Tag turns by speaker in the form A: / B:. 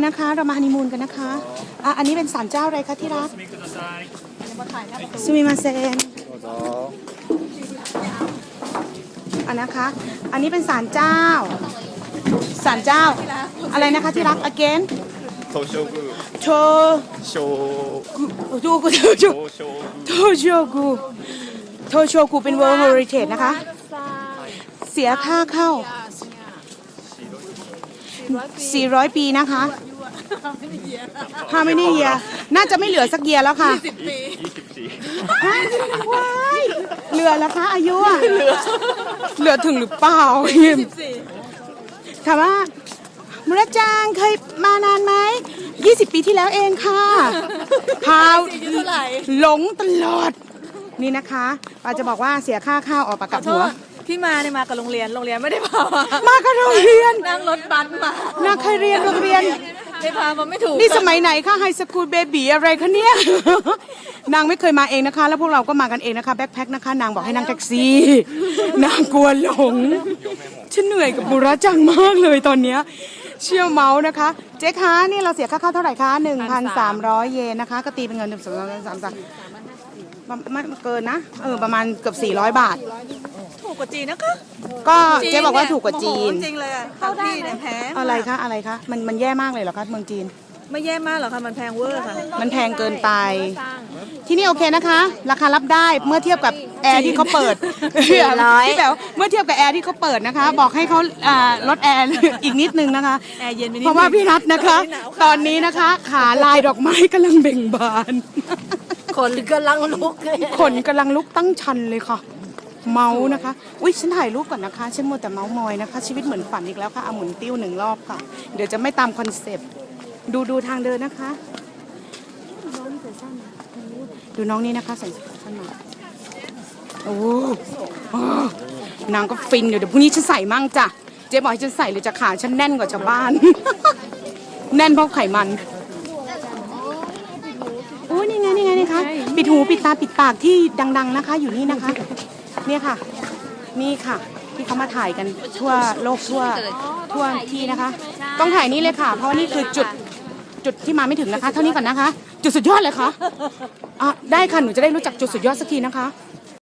A: นะคะเรามาฮันนีมูนกันนะคะอันนี้เป็นศาลเจ้าอะไรคะที่รักซูมิมาเซนนะคะอันนี้เป็นศาลเจ้าอะไรนะคะที่รัก again
B: โทโชกุ
A: โช
B: โช
A: ดูกูโทโชกุเป็น World Heritage นะคะเสียค่าเข้า400 ปีนะคะไม่นี่เยียน่าจะไม่เหลือสักเยียแล้วค่ะ20 ว้ายเหลือแล้วคะอายุอ่ะเหลือถึงหรือเปล่าถามว่ามุรจังเคยมานานไหม20 ปีที่แล้วเองค่ะพาวหลงตลอดนี่นะคะป้าจะบอกว่าเสียค่าข้าวออกปากกับหัว
C: ที่มาเนี่ยมากับโรงเรียนไม่ได้พา
A: มากับโรงเรียน
C: นั่งรถบัสมา
A: น่าเคยเรียนโรงเรียน
C: ไม่พามาไม่ถูก
A: นี่สมัยไหนคะไฮสคูลเบบีอะไรคะเนี่ยนางไม่เคยมาเองนะคะแล้วพวกเราก็มากันเองนะคะแบ็คแพ็คนะคะนางบอกให้นั่งแท็กซี่นางกลัวหลงฉันเหนื่อยกับบุระจังมากเลยตอนเนี้ยเชี่ยวเมาส์นะคะเจ๊คะนี่เราเสียค่าเข้าเท่าไหร่คะ 1,300 เยนนะคะก็ตีเป็นเงินไม่เกินนะประมาณเกือบ400 บาท
C: ถูกกว่าจีนนะคะ
A: ก็เจ๊บอกว่าถูกกว่าจีน
C: จริงเลยเข้าที่เนี่ยแพง
A: อะไรคะมันแย่มากเลยเหรอคะเมืองจีน
C: ไม่แย่มากหรอกค่ะมันแพงเวอร์ค่ะ
A: มันแพงเกินไปที่นี่โอเคนะคะราคารับได้เมื่อเทียบกับแอร์ที่เขาเปิดที่แบบเมื่อเทียบกับแอร์ที่เขาเปิดนะคะบอกให้เขาลดแอร์อีกนิดนึงนะคะ
C: แอร์เย็นไปนิด
A: เพราะว่าพี่นัทนะคะตอนนี้นะคะขาลายดอกไม้กำลังเบ่งบาน
C: ขนกำลัง
A: ลุกตั้งชันเลยค่ะเมาส์นะคะอุ๊ยฉันถ่ายรูปก่อนนะคะฉันมัวแต่เมาส์มอยนะคะชีวิตเหมือนฝันอีกแล้วค่ะหมุนติ้ว1 รอบค่ะเดี๋ยวจะไม่ตามคอนเซปต์ดูทางเดินนะคะดูน้องนี่นะคะใส่เสื้อสั้นมาโอ้นางก็ฟินอยู่เดี๋ยวพรุ่งนี้ฉันใส่มั่งจ้ะเจ๊บอกให้ฉันใส่เลยจะขาฉันแน่นกว่าชาวบ้าน แน่นเพราะไขมันโอ้นี่ไงคะปิดหูปิดตาปิดปากที่ดังๆนะคะอยู่นี่นะคะเนี่ยค่ะนี่ค่ะที่เขามาถ่ายกันทั่วโลกทั่วที่นะคะต้องถ่ายนี่เลยค่ะเพราะนี่คือจุดที่มาไม่ถึงนะคะเท่านี้ก่อนนะคะจุดสุดยอดเลยค่ะได้ค่ะหนูจะได้รู้จักจุดสุดยอดสักทีนะคะ